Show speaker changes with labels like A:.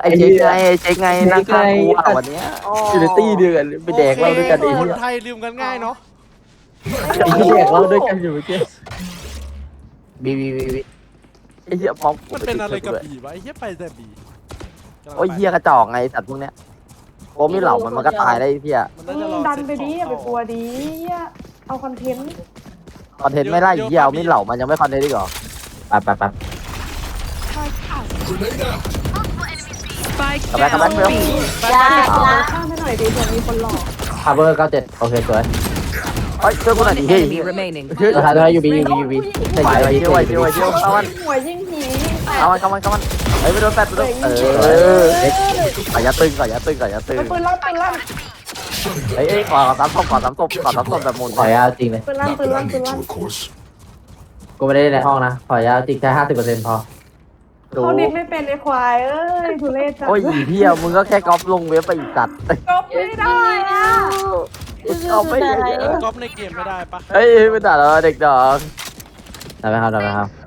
A: ไอ้เจ๊ไงนั่งข้างกูอ่ะวันเนี้ยอยู่ในตี้เดียวกันไปแดกเหล้าด้วยกันไอ้
B: ค
A: เหี้
B: น
A: ย
B: ไทยลืมกันง่ายเนาะ
A: ไอ้เหี้ยแดกเหล้าด้วยกันอยู่เมื่อกี้บีไอ้เหี้ยป๊อก
B: มันเป็นอะไรกับบีวะไอ้เหี้ยไปแต่บี
A: โอ้ยเหี้ยกระจอกไงสัตว์พวกเนี้ยโอ้ไม่เหล่ามันก็ตายได้ไอ้เหี้ย
B: มันน่าจะรอ
C: ดันไปดิอย่าไปกลัวดิเอาคอนเทนต์
A: คอนเทนต์ไม่ได้เหี้ยเอาไม่เหล่ามันยังไม่คอนเทนต์อีกเหรอไป
D: Spike
A: Come back, come back,
D: down
A: Bill.
D: B.
C: ข้ามให้หน่อยดิเผื่อมีคนหลอก
A: ฮาร์เบอร์97โอเคสวยเฮ้ยช่วยกูหน่อย
D: One
A: ดิเฮ้ย
D: enemy remaining.
A: สุดท้ายยูบีไหวเที่ยวเอามัน
C: หัวยิ่งผี
A: เอามันเฮ้ยไปโดนแปดไปโดนก่อนยาตึง
C: ปืนลั่น
A: เฮ้ยขอสามศพแบบหมุน
E: ขออนุญาตจริงเลย
C: ปืนลั่น
E: กูไม่ได้ในห้องนะขออนุญาตจริงแค่50%พอ
C: เขาดิดไม่เป็นไอ้ควายเอ้ยทุเรศจัง
A: โอ้ยเหี้ยมึงก็แค่ก๊อปลงเว็บไปอีกจัด
C: ก๊อปไม่ได้อะ
A: ก๊อปไม่ได้
B: ก๊อปในเกมไม่ได้ปะ
A: เฮ้ยไม่ได้แล้วเด็กดอก
E: ได้ไหมครับ